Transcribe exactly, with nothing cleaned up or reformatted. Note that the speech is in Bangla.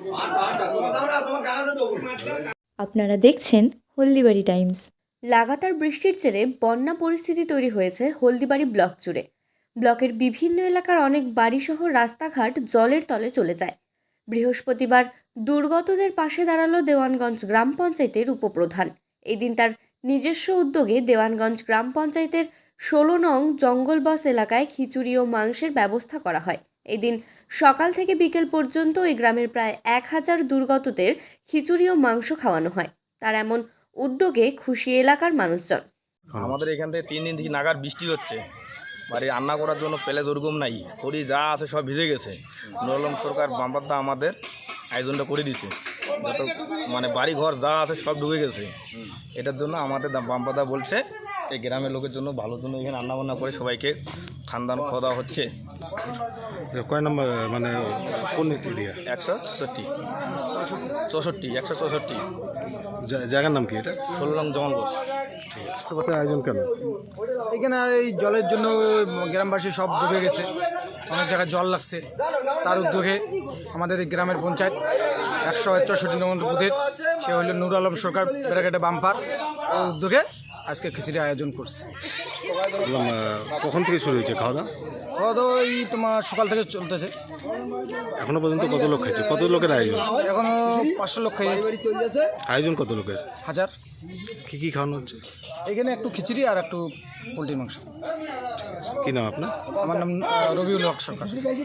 আপনারা দেখছেন হলদিবাড়ি টাইমস। লাগাতার বৃষ্টির জেরে বন্যা পরিস্থিতি তৈরি হয়েছে হলদিবাড়ি ব্লক জুড়ে। ব্লকের বিভিন্ন এলাকার অনেক বাড়িসহ রাস্তাঘাট জলের তলে চলে যায়। বৃহস্পতিবার দুর্গতদের পাশে দাঁড়ালো দেওয়ানগঞ্জ গ্রাম পঞ্চায়েতের উপপ্রধান। এদিন তার নিজস্ব উদ্যোগে দেওয়ানগঞ্জ গ্রাম পঞ্চায়েতের ষোলো নং জঙ্গলবস এলাকায় খিচুড়ি ও মাংসের ব্যবস্থা করা হয়। এদিন সকাল থেকে বিকেল পর্যন্ত এই গ্রামের প্রায় এক হাজার দুর্গতদের খিচুড়ি ও মাংস খাওয়ানো হয়। তার এমন উদ্যোগে খুশি এলাকার মানুষজন। আমাদের এখান থেকে তিন দিন থেকে নাগার বৃষ্টি হচ্ছে, বাড়ি রান্না করার জন্য পেলে দুর্গম নাই, খড়ি যা আছে সব ভিজে গেছে। নুরুল আলম সরকার বাম্পারদা আমাদের আয়োজনটা করে দিছে, যত মানে বাড়ি ঘর যা আছে সব ডুবে গেছে। এটার জন্য আমাদের বাম্পারদা বলছে এই গ্রামের লোকের জন্য ভালোর জন্য এখানে রান্না বান্না করে সবাইকে খানদান খাওয়া দাওয়া হচ্ছে। কয় নম্বর মানে কোন এরিয়া? একশো চৌষট্টি চৌষট্টি একশো চৌষট্টি জায়গার নাম কি এটা? ষোলো রং জঙ্গলবস। আয়োজন কেন? এখানে এই জলের জন্য গ্রামবাসী সব ডুবে গেছে, অনেক জায়গায় জল লাগছে। তার উদ্যোগে আমাদের এই গ্রামের পঞ্চায়েত একশো চৌষট্টি নম্বর বুথের সে হইল নুরুল আলম সরকার ব্যারাকেটে বাম্পার উদ্যোগে আজকে খিচুড়ি আয়োজন করছে। কখন থেকে শুরু হয়েছে খাওয়া দাওয়া? খাওয়া দাওয়া এই তোমার সকাল থেকে চলতেছে। এখনো পর্যন্ত কত লোক খাইছে? কত লোকের আয়োজন? এখনো পাঁচশো লোক খাই। আয়োজন কত লোকের? হাজার। কি কি খাওয়ানো হচ্ছে? এখানে একটু খিচুড়ি আর একটু পোলট্রির মাংস। কি নাম আপনার? আমার নাম রবিউল হক সরকার।